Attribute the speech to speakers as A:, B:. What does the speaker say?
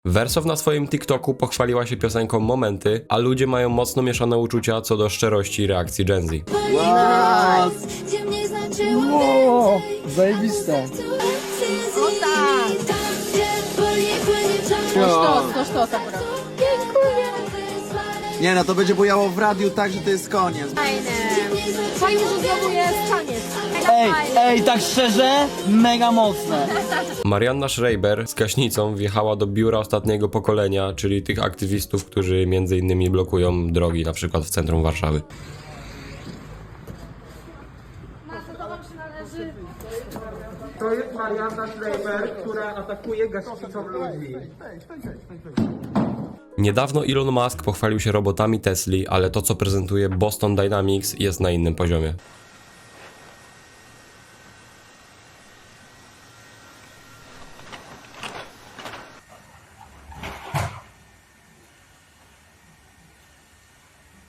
A: Wersow na swoim TikToku pochwaliła się piosenką Momenty, a ludzie mają mocno mieszane uczucia co do szczerości reakcji Gen Z.
B: Wow, zajebiste.
C: O tak! To akurat.
B: Nie no, to będzie bujało w radiu tak, że to jest koniec.
C: Fajne. Fajnie, że znowu jest taniec.
D: Ej, tak szczerze, mega mocne.
A: Marianna Schreiber z gaśnicą wjechała do biura ostatniego pokolenia, czyli tych aktywistów, którzy m.in. blokują drogi, na przykład w centrum Warszawy.
E: To jest Marianna Schreiber, która atakuje gaśnicą ludzi.
A: Niedawno Elon Musk pochwalił się robotami Tesli, ale to co prezentuje Boston Dynamics jest na innym poziomie.